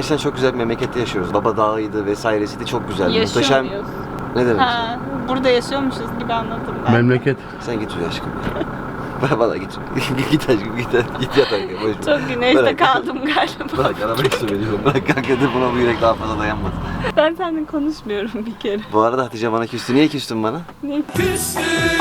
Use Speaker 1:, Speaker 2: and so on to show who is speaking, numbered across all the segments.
Speaker 1: Gerçekten çok güzel bir memlekette yaşıyoruz. Baba Dağı'ydı vesairesiydi, çok güzel.
Speaker 2: Yaşıyor
Speaker 1: Muhteşem.
Speaker 2: muyuz?
Speaker 1: Ne demek?
Speaker 2: Ha, burada yaşıyormuşuz gibi anladım ben.
Speaker 3: Memleket.
Speaker 1: Sen git uyu aşkım. Bana git. Git aşkım git yat aşkım. Boş ver.
Speaker 2: Çok güneşte
Speaker 1: Bırak.
Speaker 2: kaldım galiba.
Speaker 1: Bırak arabayı su veriyorum. Bırak kanka de buna bu yürek daha fazla dayanmaz.
Speaker 2: Ben seninle konuşmuyorum bir kere.
Speaker 1: Bu arada Hatice bana küstü. Niye küstün bana?
Speaker 2: Ne? Küstün.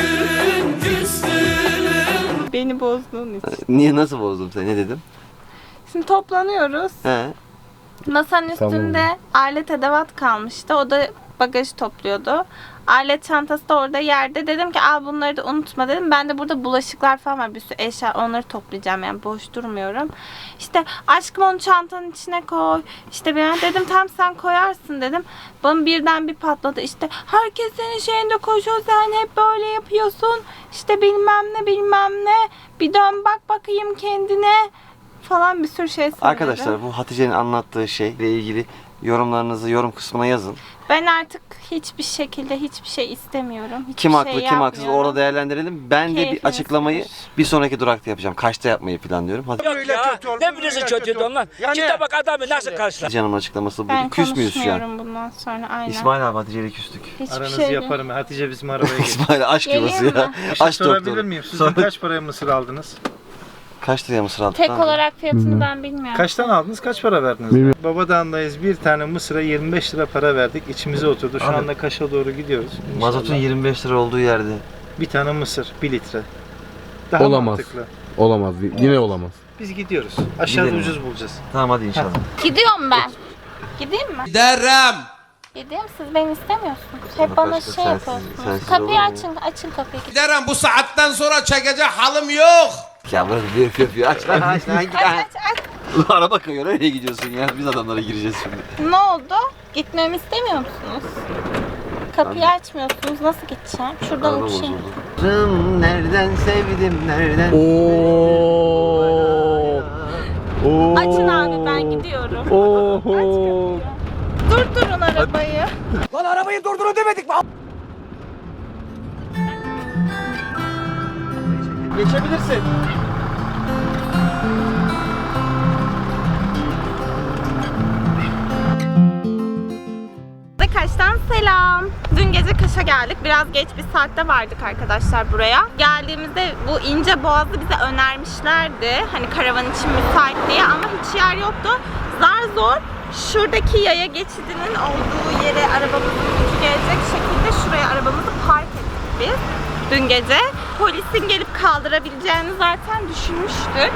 Speaker 2: Beni bozduğun için.
Speaker 1: Niye, nasıl bozdum seni? Ne dedim?
Speaker 2: Şimdi toplanıyoruz.
Speaker 1: He.
Speaker 2: Masanın üstünde alet edevat kalmıştı. O da bagajı topluyordu. Alet çantası da orada yerde. Dedim ki al bunları da unutma dedim. Ben de burada bulaşıklar falan var. Bir sürü eşya, onları toplayacağım yani boş durmuyorum. İşte aşkım onu çantanın içine koy. İşte ben dedim tam sen koyarsın dedim. Bana birden bir patladı. İşte herkes senin şeyinde koşuyor. Sen hep böyle yapıyorsun. İşte bilmem ne bilmem ne. Bir dön bak bakayım kendine. Falan bir sürü şey söyledi.
Speaker 1: Arkadaşlar bu Hatice'nin anlattığı şeyle ilgili yorumlarınızı yorum kısmına yazın.
Speaker 2: Ben artık hiçbir şekilde hiçbir şey istemiyorum. Hiçbir
Speaker 1: Kim haklı
Speaker 2: şey
Speaker 1: kim haksız
Speaker 2: yapmıyorum.
Speaker 1: orada değerlendirelim. Ben de bir
Speaker 2: Keyfini
Speaker 1: açıklamayı
Speaker 2: sıfır.
Speaker 1: bir sonraki durakta yapacağım. Kaçta yapmayı planlıyorum. Hadi.
Speaker 4: Yok ya, ne bilirsin kötüydü onlar. Git bak adamı nasıl karşılar.
Speaker 1: Hatice Hanım'ın açıklaması bu.
Speaker 2: Ben
Speaker 1: Küs müyüz şu an?
Speaker 2: konuşmuyorum bundan sonra aynen.
Speaker 1: İsmail abi Hatice ile küstük.
Speaker 2: Hiçbir
Speaker 5: Aranızı
Speaker 2: şey
Speaker 5: yaparım. Hatice bizim arabaya gelir.
Speaker 1: İsmail aşk
Speaker 2: Geleyim
Speaker 1: yuvası
Speaker 2: mi?
Speaker 1: ya.
Speaker 5: Bir şey
Speaker 1: Aşk
Speaker 5: sorabilir
Speaker 1: doktoru.
Speaker 5: miyim? Sizin kaç paraya mısır aldınız?
Speaker 1: Kaç liraya mısır aldık?
Speaker 2: Tek
Speaker 1: lan?
Speaker 2: olarak fiyatını ben bilmiyorum.
Speaker 5: Kaçtan aldınız? Kaç para verdiniz?
Speaker 3: Bilmiyorum.
Speaker 5: Babadağ'ındayız. Bir tane mısıra 25 lira para verdik. İçimize oturdu. Şu
Speaker 1: Abi,
Speaker 5: anda Kaş'a doğru gidiyoruz. İnşallah.
Speaker 1: Mazotun 25 lira olduğu yerde.
Speaker 5: Bir tane mısır 1 litre. Daha
Speaker 3: Olamaz.
Speaker 5: mantıklı.
Speaker 3: Olamaz. Yine olamaz.
Speaker 5: Biz gidiyoruz. Aşağıda
Speaker 1: Gidelim.
Speaker 5: ucuz bulacağız.
Speaker 1: Tamam hadi inşallah.
Speaker 2: Gidiyorum ben. Gideyim mi?
Speaker 6: Derim.
Speaker 2: Gideyim, siz beni istemiyorsunuz. Hep
Speaker 1: Ama
Speaker 2: bana
Speaker 1: başka
Speaker 2: şey
Speaker 1: sensiz-
Speaker 2: yapıyorsunuz.
Speaker 1: sensiz olur
Speaker 2: Kapıyı
Speaker 1: mu?
Speaker 2: açın kapıyı.
Speaker 6: Derim bu saatten sonra çekecek halim yok.
Speaker 1: Ya bırak yapıyor. Aç lan aç lan.
Speaker 2: Aç.
Speaker 1: Ulan araba kayıyor. Nereye gidiyorsun ya? Biz adamlara gireceğiz şimdi.
Speaker 2: Ne oldu? Gitmemi istemiyor musunuz? Kapıyı açmıyorsunuz. Nasıl geçeceğim? Şuradan
Speaker 1: Araba
Speaker 2: uçayım.
Speaker 1: bozuldu. Nereden sevdim nereden?
Speaker 3: Oo. Oo.
Speaker 2: Açın abi, ben gidiyorum.
Speaker 3: Oho.
Speaker 2: Aç kapıyı. Durdurun arabayı.
Speaker 6: Lan arabayı durdurun demedik mi?
Speaker 1: Geçebilirsin.
Speaker 2: Kaş'tan selam. Dün gece Kaş'a geldik. Biraz geç bir saatte vardık arkadaşlar buraya. Geldiğimizde bu ince boğazı bize önermişlerdi. Hani karavan için müsait diye ama hiç yer yoktu. Zar zor şuradaki yaya geçidinin olduğu yere arabamızın ucu gelecek şekilde şuraya arabamızı park ettik biz. Dün gece polisin gelip kaldırabileceğini zaten düşünmüştük.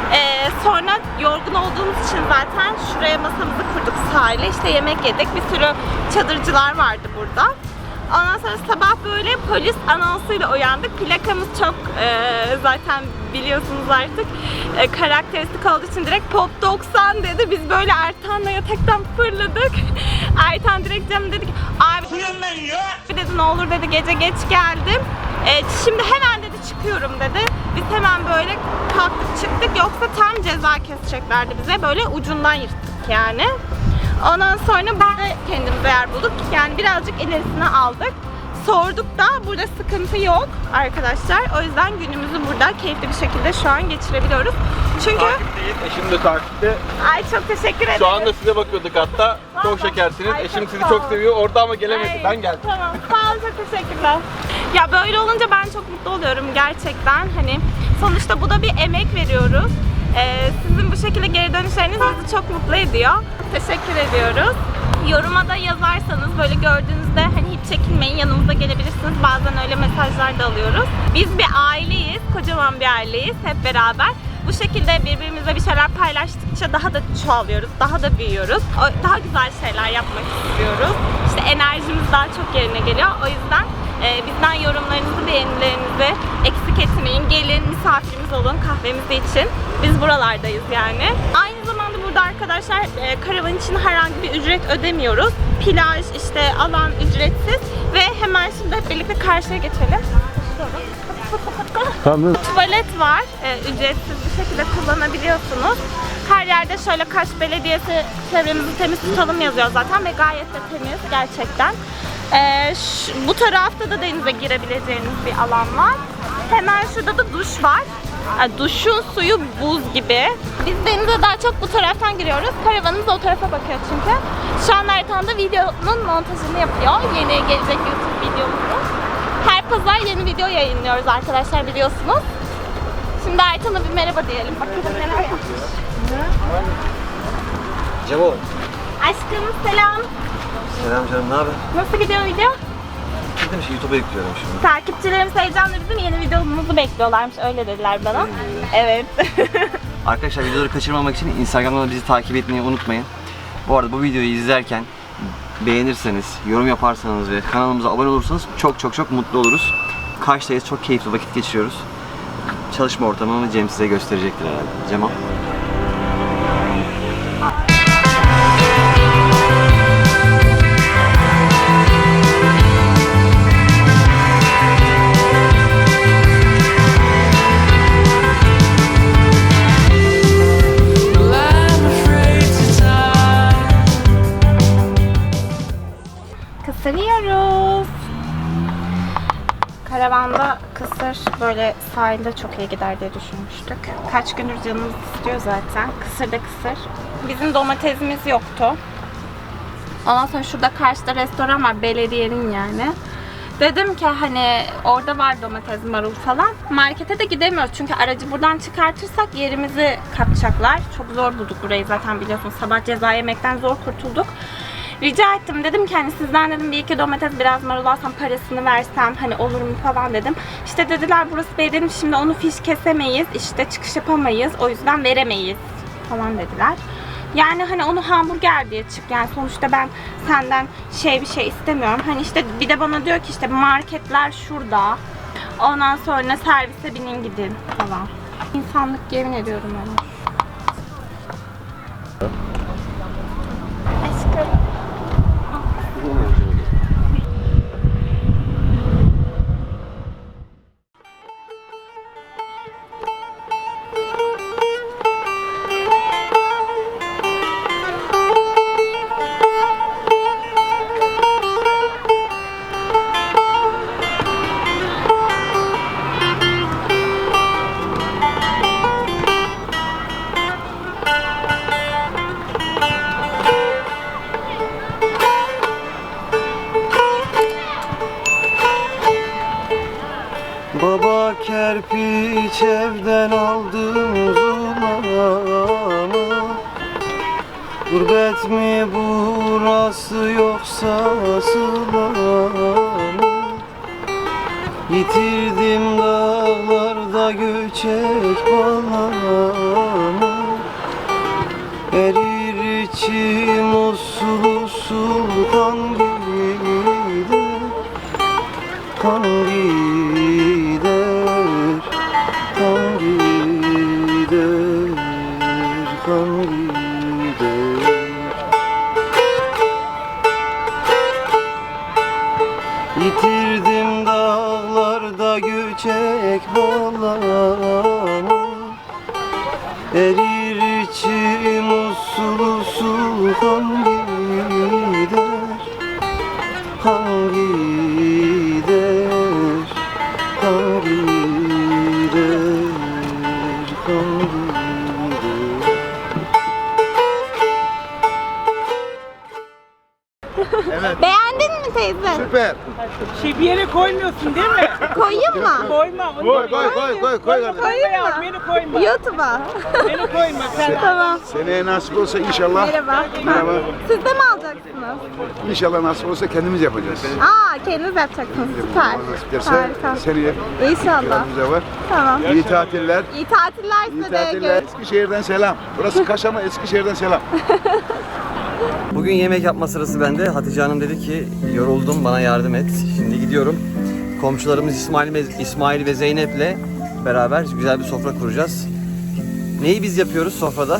Speaker 2: Sonra yorgun olduğumuz için zaten şuraya masamızı kurduk sahile. İşte yemek yedik. Bir sürü çadırcılar vardı burada. Ondan sonra sabah böyle polis anonsuyla uyandık. Plakamız çok zaten biliyorsunuz artık karakteristik olduğu için direkt Pop 90 dedi. Biz böyle Ertan'la yataktan fırladık. Ertan direkt Cem dedi ki abi dedi ne olur dedi gece geç geldim. Şimdi hemen dedi çıkıyorum dedi. Biz hemen böyle kalktık çıktık, yoksa tam ceza keseceklerdi bize. Böyle ucundan yırttık yani. Ondan sonra biz de kendimize yer bulduk. Yani birazcık ilerisine aldık. Sorduk da burada sıkıntı yok arkadaşlar. O yüzden günümüzü burada keyifli bir şekilde şu an geçirebiliyoruz. Çünkü...
Speaker 7: Takipteyiz. Eşim de takipte.
Speaker 2: Ay çok teşekkür ederim.
Speaker 7: Şu anda size bakıyorduk hatta. Çok şekersiniz.
Speaker 2: Ay,
Speaker 7: Eşim
Speaker 2: çok
Speaker 7: sizi
Speaker 2: sağ
Speaker 7: çok
Speaker 2: ol.
Speaker 7: seviyor. Orada ama gelemedi.
Speaker 2: Ay,
Speaker 7: Ben geldim.
Speaker 2: Tamam. Sağ olun, çok teşekkürler. Ya böyle olunca ben çok mutlu oluyorum gerçekten. Hani sonuçta bu da bir emek veriyoruz. Sizin bu şekilde geri dönüşleriniz bizi çok mutlu ediyor. Teşekkür ediyoruz. Yoruma da yazarsanız böyle gördüğünüzde hani hiç çekinmeyin, yanımıza gelebilirsiniz. Bazen öyle mesajlar da alıyoruz. Biz bir aileyiz, kocaman bir aileyiz hep beraber. Bu şekilde birbirimizle bir şeyler paylaştıkça daha da çoğalıyoruz, daha da büyüyoruz. Daha güzel şeyler yapmak istiyoruz. İşte enerjimiz daha çok yerine geliyor. O yüzden bizden yorumlarınızı, beğenilerinizi eksik etmeyin. Gelin, misafirimiz olun kahvemiz için. Biz buralardayız yani. Aynı zamanda burada arkadaşlar karavan için herhangi bir ücret ödemiyoruz. Plaj, işte alan ücretsiz ve hemen şimdi hep birlikte karşıya geçelim.
Speaker 3: Tamam.
Speaker 2: Tuvalet var. Ücretsiz bir şekilde kullanabiliyorsunuz. Her yerde şöyle Kaş Belediyesi çevremizi temiz tutalım yazıyor zaten ve gayet de temiz gerçekten. Bu tarafta da denize girebileceğiniz bir alan var. Hemen şurada da duş var. Yani duşun suyu buz gibi. Biz denize daha çok bu taraftan giriyoruz. Karavanımız o tarafa bakıyor çünkü. Şu an Ertan da videonun montajını yapıyor. Yeni gelecek YouTube videomuzu. Her pazar yeni video yayınlıyoruz arkadaşlar, biliyorsunuz. Şimdi Ertan'a bir merhaba diyelim. Bakalım neler yapmış.
Speaker 1: Cemo.
Speaker 2: Aşkım selam.
Speaker 1: Selam canım, ne haber?
Speaker 2: Nasıl gidiyor video?
Speaker 1: Dedim şey YouTube'a yüklüyorum şimdi.
Speaker 2: Takipçilerimiz heyecanla bizim yeni videomuzu bekliyorlarmış. Öyle dediler bana. Evet.
Speaker 1: Arkadaşlar videoları kaçırmamak için Instagram'dan bizi takip etmeyi unutmayın. Bu arada bu videoyu izlerken beğenirseniz, yorum yaparsanız ve kanalımıza abone olursanız çok mutlu oluruz. Kaş'tayız, çok keyifli vakit geçiriyoruz. Çalışma ortamımı Cem size gösterecektir herhalde. Cemo.
Speaker 2: Kısır yiyoruz. Karavanda kısır böyle sahilde çok iyi gider diye düşünmüştük. Kaç gündür canımız istiyor zaten. Kısır da kısır. Bizim domatesimiz yoktu. Ondan sonra şurada karşıda restoran var, belediyenin yani. Dedim ki hani orada var domates, marul falan. Markete de gidemiyoruz çünkü aracı buradan çıkartırsak yerimizi kapacaklar. Çok zor bulduk burayı zaten, biliyorsunuz. Sabah ceza yemekten zor kurtulduk. Rica ettim, dedim ki hani sizden dedim bir iki domates biraz marul alsam parasını versem hani olur mu falan dedim. İşte dediler burası belediyenin, şimdi onu fiş kesemeyiz, işte çıkış yapamayız, o yüzden veremeyiz falan dediler. Yani hani onu hamburger diye çık, yani sonuçta ben senden bir şey istemiyorum. Hani işte bir de bana diyor ki işte marketler şurada. Ondan sonra servise binin gidin falan. İnsanlık, yemin ediyorum ona. Aşkım.
Speaker 1: Baba kerpiç evden aldım zulama. Gurbet mi burası yoksa sıla mı? Yitirdim dağlarda göçek balağımı. Erir içim usul usul kan gider, kan gider, kan gider, kan gider. Yitirdim dağlarda göçek balağımı. Erir içim usul usul kan gider, kan gider, kan gider, kan gider.
Speaker 2: Beğendin mi teyze?
Speaker 5: Süper.
Speaker 8: Bir yere koymuyorsun değil mi?
Speaker 2: Koyayım mı?
Speaker 8: Koyma. Onu
Speaker 5: Koy kardeşim.
Speaker 2: Koyayım mı?
Speaker 8: Beni koyma.
Speaker 2: YouTube'a.
Speaker 8: Beni koyma. Sen
Speaker 2: Tamam.
Speaker 5: Seneye nasip olsa inşallah.
Speaker 2: Merhaba.
Speaker 5: Merhaba.
Speaker 2: Siz de mi alacaksınız?
Speaker 5: İnşallah nasip olsa kendimiz yapacağız.
Speaker 2: Aa, kendiniz yapacaksınız. Süper.
Speaker 5: Allah nasip ederse
Speaker 2: Harika.
Speaker 5: seneye
Speaker 2: İnşallah.
Speaker 5: planımızda var.
Speaker 2: Tamam.
Speaker 5: İyi tatiller.
Speaker 2: İyi tatiller
Speaker 5: İyi
Speaker 2: size de.
Speaker 5: tatiller. Eskişehir'den selam. Burası Kaş ama Eskişehir'den selam.
Speaker 1: Bugün yemek yapma sırası bende. Hatice Hanım dedi ki yoruldum, bana yardım et. Şimdi gidiyorum. Komşularımız İsmail ve Zeynep'le beraber güzel bir sofra kuracağız. Neyi biz yapıyoruz sofrada?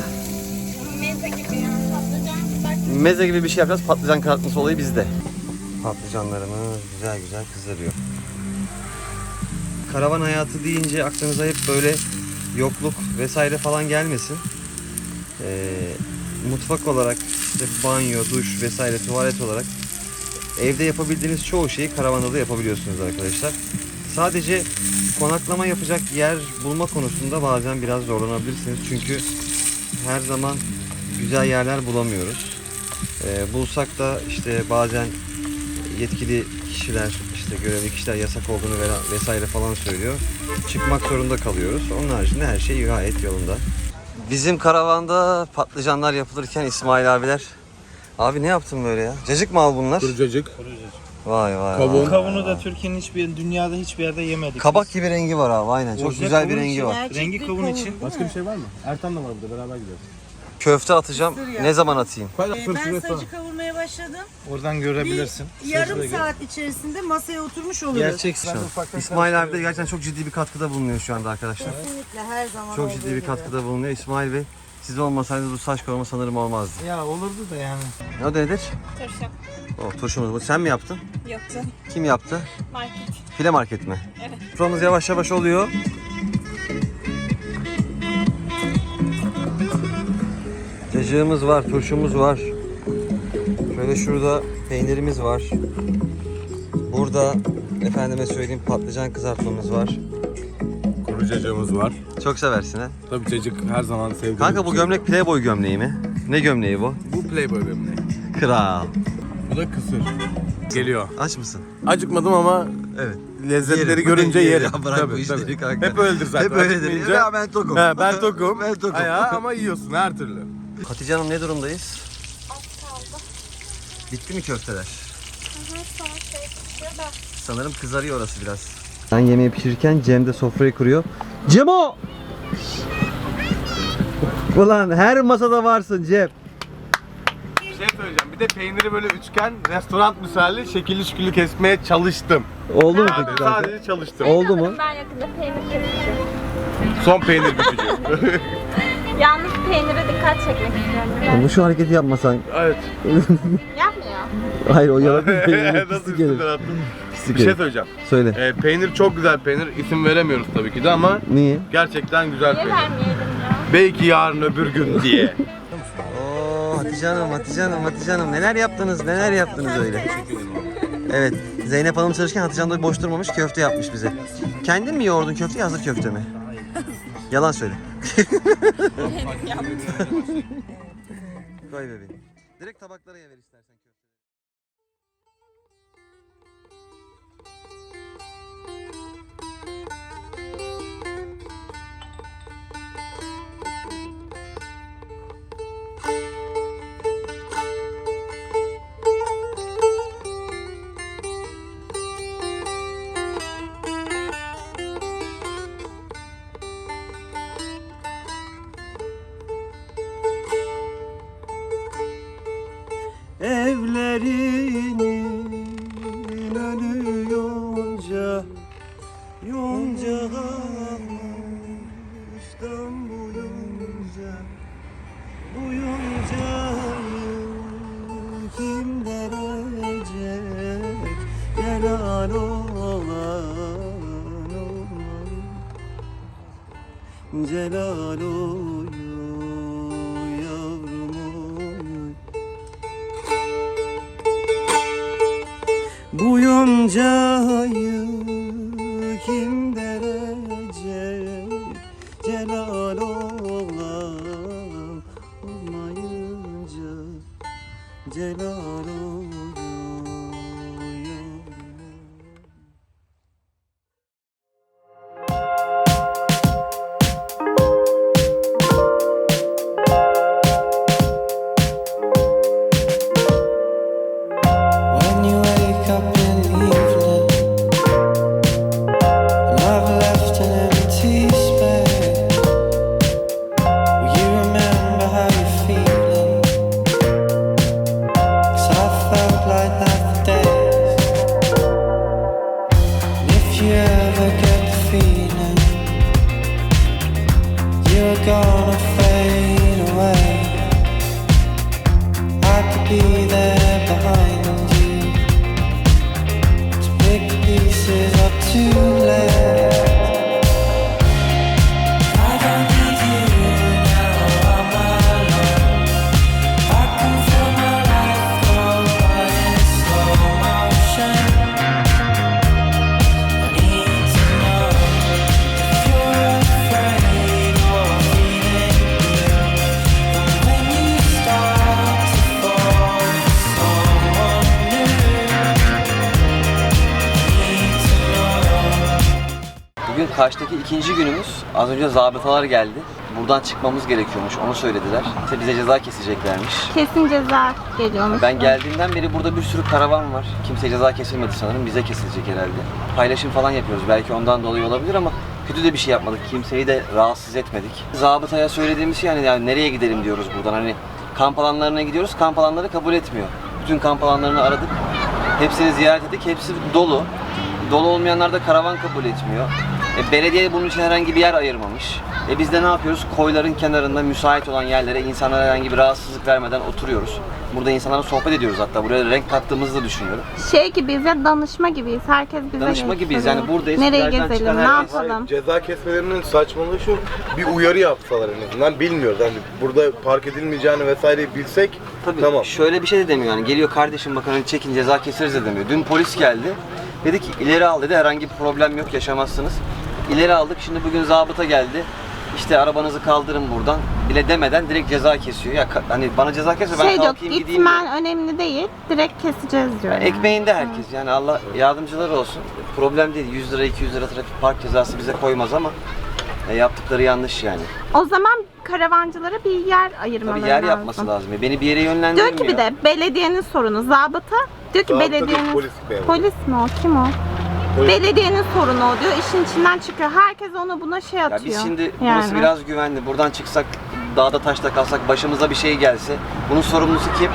Speaker 1: Meze gibi bir şey yapacağız. Patlıcan kızartması olayı bizde. Patlıcanlarımız güzel güzel kızarıyor. Karavan hayatı deyince aklınıza hep böyle yokluk vesaire falan gelmesin. Mutfak olarak, işte banyo, duş vesaire, tuvalet olarak evde yapabildiğiniz çoğu şeyi karavanda da yapabiliyorsunuz arkadaşlar. Sadece konaklama yapacak yer bulma konusunda bazen biraz zorlanabilirsiniz. Çünkü her zaman güzel yerler bulamıyoruz. Bulsak da işte bazen yetkili kişiler, işte görevli kişiler yasak olduğunu vesaire falan söylüyor. Çıkmak zorunda kalıyoruz. Onun haricinde her şey gayet yolunda. Bizim karavanda patlıcanlar yapılırken İsmail abiler. Abi ne yaptın böyle ya? Cacık mı al bunlar?
Speaker 3: Kurucacık.
Speaker 1: Vay vay.
Speaker 3: Kavun.
Speaker 1: vay.
Speaker 5: Kavunu da Türkiye'nin dünyada hiçbir yerde yemedik.
Speaker 1: Kabak gibi rengi var abi, aynen. Çok
Speaker 5: Orijinal
Speaker 1: güzel bir
Speaker 5: kavun
Speaker 1: rengi
Speaker 5: için-
Speaker 1: var.
Speaker 5: Rengi kavun için.
Speaker 3: Başka bir şey var mı? Ertan da var burada, beraber gidiyoruz.
Speaker 1: Köfte atacağım. Ne zaman atayım?
Speaker 8: Ben sacı kavurmaya başladım.
Speaker 5: Oradan görebilirsin.
Speaker 8: Yarım saat içerisinde masaya oturmuş oluruz.
Speaker 5: Gerçek.
Speaker 1: İsmail abi de gerçekten çok ciddi bir katkıda bulunuyor şu anda arkadaşlar.
Speaker 8: Kesinlikle her zaman
Speaker 1: Çok
Speaker 8: olduğu
Speaker 1: ciddi bir
Speaker 8: gibi.
Speaker 1: katkıda bulunuyor. İsmail Bey, siz olmasaydınız bu saç koruma sanırım olmazdı.
Speaker 5: Ya olurdu da yani.
Speaker 1: Ne o da nedir?
Speaker 2: Turşu.
Speaker 1: Oh, turşumuz bu. Sen mi yaptın?
Speaker 2: Yoktu.
Speaker 1: Kim yaptı?
Speaker 2: Market.
Speaker 1: File market mi? Evet. Soframız yavaş yavaş oluyor. Cacığımız var, turşumuz var. Şöyle şurada peynirimiz var. Burada efendime söyleyeyim patlıcan kızartmamız var.
Speaker 3: Kurucacığımız var.
Speaker 1: Çok seversin ha.
Speaker 3: Tabii cacık her zaman sevdiğim.
Speaker 1: Kanka bu
Speaker 3: bir şey.
Speaker 1: gömlek Playboy gömleği mi? Ne gömleği bu?
Speaker 3: Bu Playboy gömleği.
Speaker 1: Kral.
Speaker 3: Bu da kısır. Geliyor.
Speaker 1: Aç mısın?
Speaker 3: Acıkmadım ama
Speaker 1: Evet.
Speaker 3: lezzetleri
Speaker 1: Yerim.
Speaker 3: görünce
Speaker 1: Yerim.
Speaker 3: yerim.
Speaker 1: Ya bırak
Speaker 3: Tabii,
Speaker 1: bu işleri
Speaker 3: tabii.
Speaker 1: kanka.
Speaker 3: Hep öyledir zaten.
Speaker 1: Hep öyledir.
Speaker 3: Acıkmayınca-
Speaker 1: Ya ben tokum.
Speaker 3: He, ben tokum.
Speaker 1: Ben tokum.
Speaker 3: Ya, ama yiyorsun her türlü.
Speaker 1: Hatice Hanım ne durumdayız? Bitti mi köfteler? Sanırım kızarıyor orası biraz. Ben yemeği pişirirken Cem de sofrayı kuruyor. Cemo! Ulan her masada varsın Cem.
Speaker 3: Bir şey söyleyeceğim. Bir de peyniri böyle üçgen, restoran misali şekilli şükürlü kesmeye çalıştım.
Speaker 1: Oldu mu peki kanka?
Speaker 3: Sadece çalıştım.
Speaker 1: Oldu mu?
Speaker 2: Ben yakında peynir keseceğim.
Speaker 3: Son peynir bükücü.
Speaker 2: Yalnız peynire dikkat çekmek istiyorum.
Speaker 1: Ama şu hareketi yapmasan.
Speaker 3: Evet.
Speaker 2: Yapmıyor.
Speaker 1: Hayır o yalan peynir.
Speaker 3: Nasıl
Speaker 1: Pislik
Speaker 3: üstünden
Speaker 1: gelir.
Speaker 3: attım?
Speaker 1: Pislik
Speaker 3: Bir şey
Speaker 1: gelir.
Speaker 3: söyleyeceğim.
Speaker 1: Söyle.
Speaker 3: Peynir çok güzel peynir. İsim veremiyoruz tabii ki de ama
Speaker 1: Niye?
Speaker 3: gerçekten güzel
Speaker 2: Niye
Speaker 3: peynir.
Speaker 2: vermeyelim ya?
Speaker 3: Belki yarın öbür gün diye.
Speaker 1: Oo Hatice Hanım, Hatice Hanım, Hatice Hanım neler yaptınız, neler yaptınız öyle. Evet, Zeynep Hanım çalışırken Hatice Hanım da boş durmamış köfte yapmış bize. Kendin mi yoğurdun köfteyi, hazır köfte mi? Yalan söyle. Koy bebeğim. Direkt tabaklara ver istersen köfte. Evlerinin önü yonca, yonca kalmıştan bu yonca, bu yoncayı kim derecek, helal olan olmalı, celal oyu yavrum oyu. Bu yoncayı kim derecek, celal oğlan olmayınca, celal oluyor.
Speaker 9: When you wake up in the evening and I've left an empty space, will you remember how you're feeling? 'Cause I felt like that for days. And if you ever get the feeling you're gonna fade away, I could be there behind you
Speaker 1: Kaş'taki ikinci günümüz. Az önce zabıtalar geldi. Buradan çıkmamız gerekiyormuş, onu söylediler. İşte bize ceza keseceklermiş.
Speaker 2: Kesin ceza geliyormuş.
Speaker 1: Ben geldiğimden beri burada bir sürü karavan var. Kimseye ceza kesilmedi sanırım, bize kesilecek herhalde. Paylaşım falan yapıyoruz, belki ondan dolayı olabilir ama kötü de bir şey yapmadık, kimseyi de rahatsız etmedik. Zabıtaya söylediğimiz şey yani nereye gidelim diyoruz buradan, hani kamp alanlarına gidiyoruz, kamp alanları kabul etmiyor. Bütün kamp alanlarını aradık, hepsini ziyaret ettik, hepsi dolu. Dolu olmayanlar da karavan kabul etmiyor. Belediye bunun için herhangi bir yer ayırmamış. Biz de ne yapıyoruz? Koyların kenarında müsait olan yerlere insanlara herhangi bir rahatsızlık vermeden oturuyoruz. Burada insanlarla sohbet ediyoruz hatta. Buraya renk kattığımızı da düşünüyorum.
Speaker 2: Şey gibiyiz ya, danışma gibiyiz. Herkes bize
Speaker 1: Danışma gibiyiz, yani buradayız.
Speaker 2: Nereye
Speaker 1: Plajdan
Speaker 2: gezelim,
Speaker 1: çıkan
Speaker 2: ne
Speaker 1: herkes-
Speaker 2: yapalım?
Speaker 3: Ceza kesmelerinin saçmalığı şu, bir uyarı yapsalar en azından, bilmiyoruz. Yani burada park edilmeyeceğini vesaireyi bilsek
Speaker 1: Tabii
Speaker 3: tamam.
Speaker 1: şöyle bir şey de demiyor yani, geliyor kardeşim bakın hani çekin ceza keseriz de demiyor. Dün polis geldi, dedi ki ileri al dedi, herhangi bir problem yok, yaşamazsınız. İleri aldık, şimdi bugün zabıta geldi. İşte arabanızı kaldırın buradan bile demeden direkt ceza kesiyor. Ya hani bana ceza kesme, ben
Speaker 2: Şey yok,
Speaker 1: kalkayım gideyim diyor.
Speaker 2: gitmen önemli değil. Direkt keseceğiz diyor. yani.
Speaker 1: Ekmeğinde herkes, yani Allah yardımcıları olsun. Problem değil, 100 lira 200 lira trafik park cezası bize koymaz ama yaptıkları yanlış yani.
Speaker 2: O zaman karavancılara bir yer ayırmaları
Speaker 1: Tabii yer
Speaker 2: lazım.
Speaker 1: yapması lazım. Beni bir yere yönlendirmiyor.
Speaker 2: Diyor ki bir de belediyenin sorunu. Zabıta diyor ki
Speaker 3: Zabıta değil,
Speaker 2: belediyenin...
Speaker 3: polis memuru.
Speaker 2: Polis mi o? Kim o?
Speaker 3: Polis.
Speaker 2: Belediyenin sorunu o diyor. İşin içinden çıkıyor. Herkes onu buna şey
Speaker 1: Ya
Speaker 2: atıyor.
Speaker 1: biz şimdi burası
Speaker 2: Yani.
Speaker 1: biraz güvenli. Buradan çıksak, dağda taşta kalsak, başımıza bir şey gelse, bunun sorumlusu kim?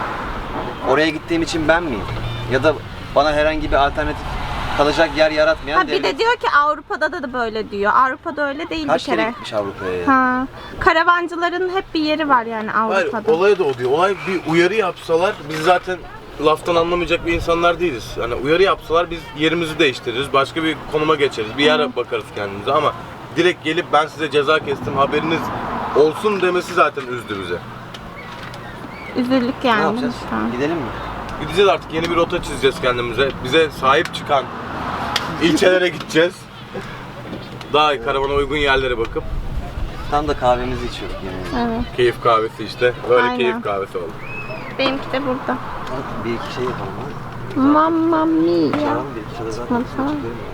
Speaker 1: Oraya gittiğim için ben miyim? Ya da bana herhangi bir alternatif kalacak yer yaratmayan
Speaker 2: Ha, bir
Speaker 1: devlet.
Speaker 2: de diyor ki Avrupa'da da böyle diyor. Avrupa'da öyle değil
Speaker 1: Kaç
Speaker 2: bir
Speaker 1: kere
Speaker 2: kere.
Speaker 1: gitmiş Avrupa'ya ya?
Speaker 2: Ha. Karavancıların hep bir yeri var yani
Speaker 3: Hayır,
Speaker 2: Avrupa'da.
Speaker 3: olay da o değil. Olay bir uyarı yapsalar, biz zaten laftan anlamayacak bir insanlar değiliz. Yani uyarı yapsalar biz yerimizi değiştiririz, başka bir konuma geçeriz, bir yere bakarız kendimize ama direkt gelip ben size ceza kestim haberiniz olsun demesi zaten üzdü bizi.
Speaker 2: Üzüldük
Speaker 1: Ne
Speaker 2: yani.
Speaker 1: yapacağız?
Speaker 2: lütfen.
Speaker 1: Gidelim mi?
Speaker 3: Gideceğiz artık, yeni bir rota çizeceğiz kendimize. Bize sahip çıkan ilçelere gideceğiz. Daha iyi karavana uygun yerlere bakıp
Speaker 1: Tam da kahvemizi içiyorduk yemeğe.
Speaker 2: Evet.
Speaker 3: keyif kahvesi işte. Böyle
Speaker 2: Aynen.
Speaker 3: keyif kahvesi oldu.
Speaker 2: Benimki de burada.
Speaker 1: Bir iki şey yapalım ha.
Speaker 2: Mamma mia.
Speaker 1: Çağıralım bir iki de zaten.
Speaker 2: Tamam.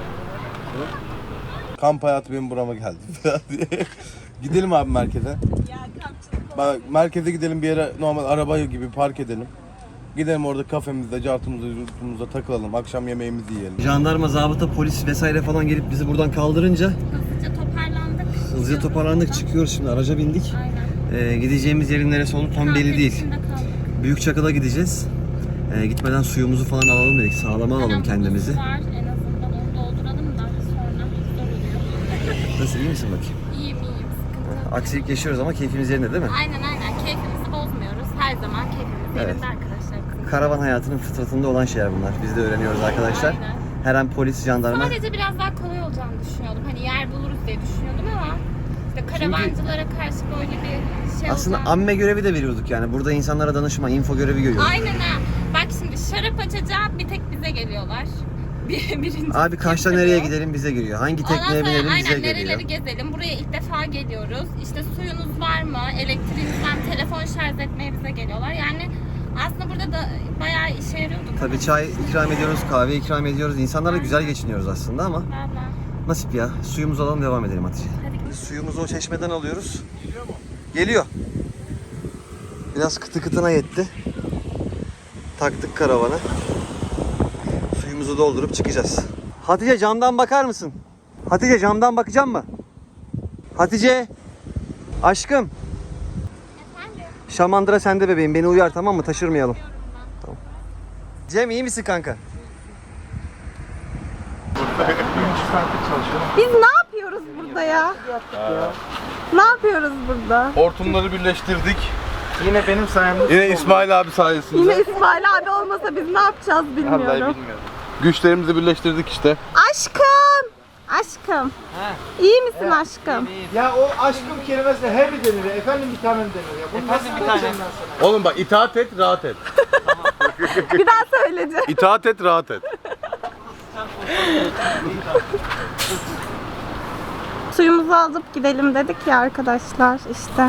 Speaker 3: Kamp hayatı benim burama geldi diye. Gidelim abi merkeze. Bak, merkeze gidelim, bir yere normal araba gibi park edelim. Gidelim orada kafemizde, cartımızda, yurtumuzda takılalım. Akşam yemeğimizi yiyelim.
Speaker 1: Jandarma, zabıta, polis vesaire falan gelip bizi buradan kaldırınca hızlıca toparlandık, çıkıyoruz şimdi, araca bindik. Gideceğimiz yerin neresi olduğu tam belli değil. Büyükçakıl'a gideceğiz. Gitmeden suyumuzu falan alalım dedik, sağlama alalım kendimizi.
Speaker 10: Var, en azından onu dolduralım da sonra zor oluyor.
Speaker 1: Nasıl, iyi misin bakayım?
Speaker 10: İyiyim, sıkıntı yok.
Speaker 1: Aksilik yaşıyoruz ama keyfimiz yerinde değil mi?
Speaker 10: Aynen, keyfimizi bozmuyoruz. Her zaman keyfimiz
Speaker 1: Evet.
Speaker 10: yerinde arkadaşlar.
Speaker 1: Karavan hayatının fıtratında olan şeyler bunlar. Biz de öğreniyoruz arkadaşlar.
Speaker 10: Aynen.
Speaker 1: Her an polis, jandarma.
Speaker 10: Sadece biraz daha kolay olacağını düşünüyordum. Hani yer buluruz diye düşünüyordum ama işte karavancılara karşı böyle bir şey
Speaker 1: Aslında
Speaker 10: olacağını...
Speaker 1: amme görevi de veriyorduk yani. Burada insanlara danışma, info görevi görüyoruz.
Speaker 10: Aynen ha. Bak şimdi şarap açacağım, bir tek bize geliyorlar. Birinci
Speaker 1: Abi Kaş'ta nereye gidelim bize geliyor. Hangi
Speaker 10: Ondan
Speaker 1: tekneye
Speaker 10: sonra
Speaker 1: binelim bize
Speaker 10: aynen
Speaker 1: geliyor.
Speaker 10: nereleri gezelim. Buraya ilk defa geliyoruz. İşte suyunuz var mı? Elektriğiniz var mı? Telefon şarj etmeye bize geliyorlar. Yani aslında burada da bayağı işe yarıyordu.
Speaker 1: Tabii çay ikram ediyoruz, kahve ikram ediyoruz. İnsanlarla güzel geçiniyoruz aslında ama
Speaker 10: Valla.
Speaker 1: nasip ya. Suyumuzu alalım, devam edelim Hatice. Suyumuzu o çeşmeden alıyoruz. Geliyor mu? Geliyor. Biraz kıtı kıtına yetti. Taktık karavana. Suyumuzu doldurup çıkacağız. Hatice camdan bakar mısın? Hatice camdan bakacak mı? Hatice. Aşkım. Şamandıra sende bebeğim. Beni uyar, tamam mı? Taşırmayalım. Tamam. Cem, iyi misin kanka?
Speaker 2: Biz ne yapıyoruz burada ya? Ne yapıyoruz burada?
Speaker 3: Hortumları birleştirdik.
Speaker 5: Yine benim sayemde.
Speaker 3: Yine İsmail abi sayesinde.
Speaker 2: Yine İsmail abi olmasa biz ne yapacağız bilmiyorum.
Speaker 3: Güçlerimizi birleştirdik işte.
Speaker 2: Aşkım! Aşkım. İyi misin aşkım?
Speaker 5: Ya o aşkım kelimesine he mi denir? Efendim bir tanem denir ya. Bunu nasıl söyleyeceğim ben sana?
Speaker 3: Oğlum bak, itaat et, rahat et.
Speaker 2: Bir daha söyleyeceğim.
Speaker 3: İtaat et, rahat et.
Speaker 2: Suyumuzu alıp gidelim dedik ya arkadaşlar işte.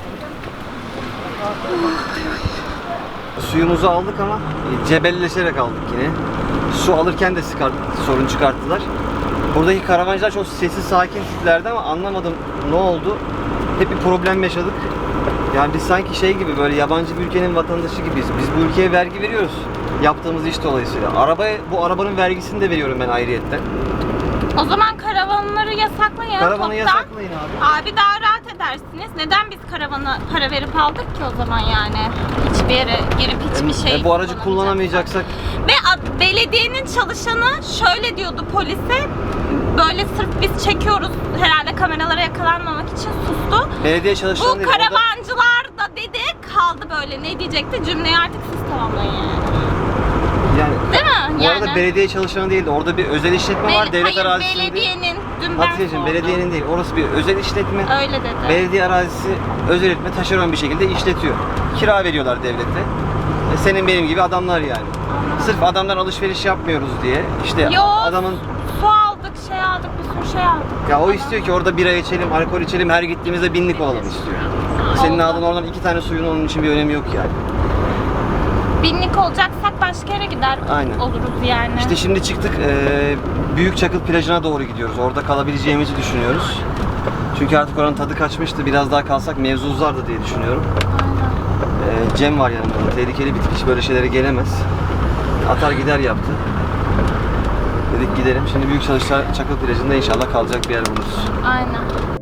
Speaker 1: Suyumuzu aldık ama cebelleşerek aldık yine. Su alırken de sorun çıkarttılar. Buradaki karavancılar çok sessiz sakin tiplerdi ama anlamadım ne oldu. Hep bir problem yaşadık. Yani biz sanki şey gibi böyle yabancı bir ülkenin vatandaşı gibiyiz. Biz bu ülkeye vergi veriyoruz. Yaptığımız iş dolayısıyla. Bu arabanın vergisini de veriyorum ben ayrıyetten.
Speaker 10: O zaman karavanları yasaklayın.
Speaker 1: Karavanı
Speaker 10: toptan.
Speaker 1: yasaklayın abi.
Speaker 10: Abi daha rahat edersiniz. Neden biz karavana para verip aldık ki o zaman yani? Hiçbir yere girip hiçbir şey
Speaker 1: Bu aracı kullanamayacaksak
Speaker 10: Ve belediyenin çalışanı şöyle diyordu polise. Böyle sırf biz çekiyoruz herhalde kameralara yakalanmamak için sustu.
Speaker 1: belediye çalışanı
Speaker 10: Bu
Speaker 1: değil, orada-
Speaker 10: karavancılar da dedi kaldı böyle. Ne diyecekti? Cümleyi artık siz tamamlayın yani.
Speaker 1: Yani
Speaker 10: Değil mi?
Speaker 1: bu
Speaker 10: Yani.
Speaker 1: arada belediye çalışanı değildi. Orada bir özel işletme var. Devlet
Speaker 10: Hayır,
Speaker 1: arazisinde.
Speaker 10: belediyenin. Dün ben
Speaker 1: Hatiyeciğim
Speaker 10: sordum.
Speaker 1: belediyenin değil. Orası bir özel işletme.
Speaker 10: Öyle dedi.
Speaker 1: Belediye arazisi özel işletme taşeron bir şekilde işletiyor. Kira veriyorlar devlete. Senin benim gibi adamlar yani. Sırf adamdan alışveriş yapmıyoruz diye. İşte
Speaker 10: Yok.
Speaker 1: adamın
Speaker 10: Su aldık, şey aldık, bir sürü şey aldık.
Speaker 1: ya o istiyor ki orada bira içelim, alkol içelim, her gittiğimizde binlik olalım istiyor. Senin aldığın oradan 2 tane suyun onun için bir önemi yok yani.
Speaker 10: Binlik olacaksak başka yere gider
Speaker 1: Aynen.
Speaker 10: oluruz yani.
Speaker 1: İşte şimdi çıktık Büyük Çakıl plajına doğru gidiyoruz. Orada kalabileceğimizi düşünüyoruz. Çünkü artık oranın tadı kaçmıştı. Biraz daha kalsak mevzu uzardı diye düşünüyorum. Cem var yanımda. Tehlikeli bir tip, hiç böyle şeylere gelemez. Atar gider yaptı. Dedik gidelim. Şimdi Büyük Çakıl plajında inşallah kalacak bir yer buluruz.
Speaker 10: Aynen.